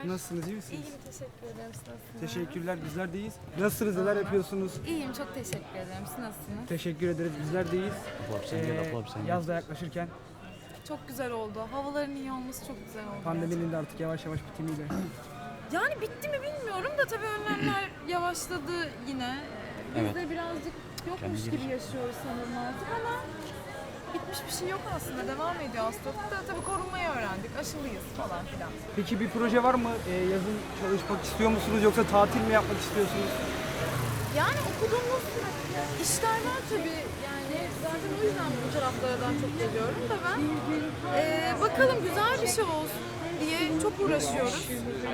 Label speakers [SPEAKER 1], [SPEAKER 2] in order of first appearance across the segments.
[SPEAKER 1] Nasılsınız, iyi misiniz?
[SPEAKER 2] İyiyim, teşekkür ederim. Siz nasılsınız?
[SPEAKER 1] Teşekkürler, bizler de iyiyiz. Nasılsınız, neler yapıyorsunuz?
[SPEAKER 2] İyiyim, çok teşekkür ederim. Siz nasılsınız?
[SPEAKER 1] Teşekkür ederiz, bizler de iyiyiz.
[SPEAKER 3] Sen
[SPEAKER 1] Yaz da yaklaşırken
[SPEAKER 2] Çok güzel oldu. Havaların iyi olması çok güzel oldu.
[SPEAKER 1] pandeminin de artık yavaş yavaş bitimiyle.
[SPEAKER 2] Yani bitti mi bilmiyorum da tabii önlemler yavaşladı yine. Biz
[SPEAKER 3] Evet.
[SPEAKER 2] de birazcık yokmuş gibi yaşıyoruz sanırım artık ama bitmiş bir şey yok aslında. Devam ediyor hastalık da tabii korunmayı öğrendik. Aşılıyız falan filan.
[SPEAKER 1] Peki bir proje var mı? Yazın çalışmak istiyor musunuz yoksa tatil mi yapmak istiyorsunuz?
[SPEAKER 2] Yani okuduğumuz işler var tabii. Yani zaten o yüzden bu taraflardan çok geliyorum da ben. Bakalım güzel bir şey olsun diye çok uğraşıyoruz.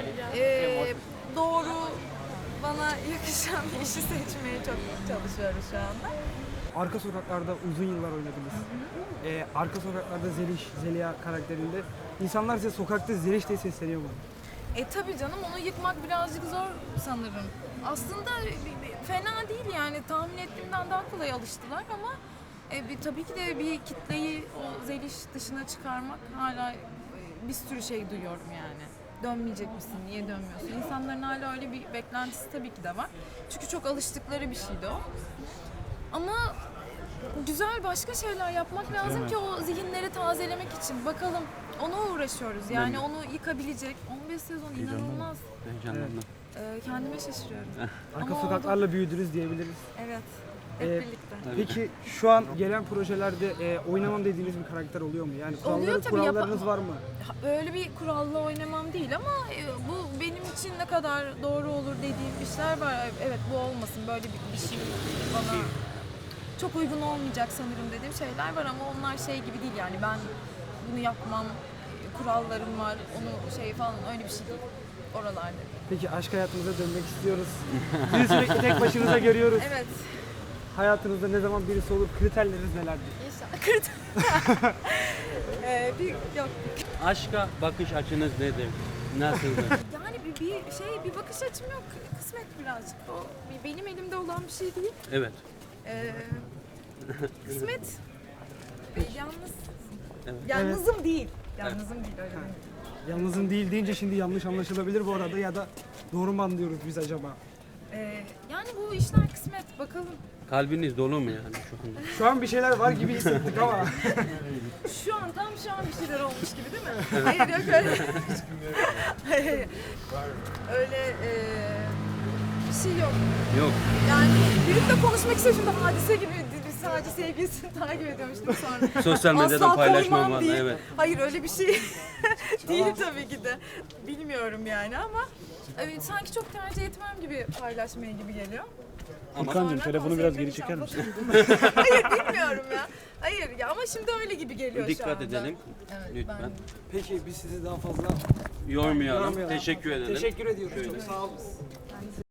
[SPEAKER 2] Doğru bana yakışan bir işi seçmeye çok çalışıyoruz şu anda.
[SPEAKER 1] Arka Sokaklar'da uzun yıllar oynadınız. Arka Sokaklar'da Zeliha karakterinde. İnsanlar size sokakta Zeliş diye sesleniyor mu?
[SPEAKER 2] Tabii canım onu yıkmak birazcık zor sanırım. Aslında fena değil yani tahmin ettiğimden daha kolay alıştılar ama tabii ki de bir kitleyi o Zeliş dışına çıkarmak hala bir sürü şey duyuyorum yani. Dönmeyecek misin, niye dönmüyorsun? İnsanların hala öyle bir beklentisi tabii ki de var. Çünkü çok alıştıkları bir şeydi o. Ama güzel başka şeyler yapmak lazım ki o zihinleri tazelemek için. Bakalım ona uğraşıyoruz. Yani onu yıkabilecek 15 sezon inanılmaz.
[SPEAKER 3] Heyecanlandım.
[SPEAKER 2] Kendime şaşırıyorum.
[SPEAKER 1] Arka
[SPEAKER 2] Ama
[SPEAKER 1] Sokaklar'la büyüdünüz diyebiliriz.
[SPEAKER 2] Evet. Hep
[SPEAKER 1] Ee,
[SPEAKER 2] birlikte.
[SPEAKER 1] Peki şu an gelen projelerde oynamam dediğiniz bir karakter oluyor mu? Yani
[SPEAKER 2] Oluyor tabii,
[SPEAKER 1] kurallarınız var mı?
[SPEAKER 2] Böyle bir kuralla oynamam değil ama bu benim için ne kadar doğru olur dediğim işler var. Evet bu olmasın böyle bir şey bana çok uygun olmayacak sanırım dediğim şeyler var ama onlar şey gibi değil yani ben bunu yapmam, kurallarım var, onu şey falan öyle bir şey değil. Oralarda.
[SPEAKER 1] Peki aşk hayatınıza dönmek istiyoruz. Sizi sürekli tek başınıza görüyoruz.
[SPEAKER 2] Evet.
[SPEAKER 1] Hayatınızda ne zaman birisi olur, kriterleriniz nelerdir?
[SPEAKER 2] İnşallah. Yok.
[SPEAKER 3] Aşka bakış açınız nedir? Nasıldır?
[SPEAKER 2] Yani bir bakış açım yok. Kısmet birazcık o. Benim elimde olan bir şey değil.
[SPEAKER 3] Evet.
[SPEAKER 2] Kısmet. Yalnız.
[SPEAKER 3] Evet.
[SPEAKER 2] Yalnızım değil. Yalnızım değil öyle.
[SPEAKER 1] Yalnızım değil deyince şimdi yanlış anlaşılabilir bu arada ya da doğru mu anlıyoruz biz acaba?
[SPEAKER 2] Yani bu işler kısmet. Bakalım.
[SPEAKER 3] Kalbiniz dolu mu yani şu anda?
[SPEAKER 1] Şu an bir şeyler var gibi hissettik ama.
[SPEAKER 2] Şu an bir şeyler olmuş gibi değil mi? Hayır yok öyle. Hayır. Öyle bir şey yok.
[SPEAKER 3] Yok.
[SPEAKER 2] Yani biriyle konuşmak istiyorum şimdi hadise gibi biz sadece sevgilisini takip ediyormuştum sonra.
[SPEAKER 3] Sosyal medyadan
[SPEAKER 2] Asla
[SPEAKER 3] paylaşmam
[SPEAKER 2] koymam
[SPEAKER 3] var.
[SPEAKER 2] değil.
[SPEAKER 3] Evet.
[SPEAKER 2] Hayır öyle bir şey değil tabii ki de. Bilmiyorum yani ama sanki çok tercih etmem gibi paylaşmaya gibi geliyor.
[SPEAKER 1] Furkancığım telefonu biraz geri
[SPEAKER 2] sevdiğim
[SPEAKER 1] çeker
[SPEAKER 2] insan
[SPEAKER 1] misin?
[SPEAKER 2] Hayır bilmiyorum ya. Hayır ya ama şimdi öyle gibi geliyor şu
[SPEAKER 3] Dikkat
[SPEAKER 2] anda.
[SPEAKER 3] edelim.
[SPEAKER 2] Evet,
[SPEAKER 3] Lütfen.
[SPEAKER 1] Peki biz sizi daha fazla
[SPEAKER 3] Yormayalım.
[SPEAKER 1] yormayalım.
[SPEAKER 3] Teşekkür edelim.
[SPEAKER 1] Teşekkür ediyoruz. Çok sağ olun.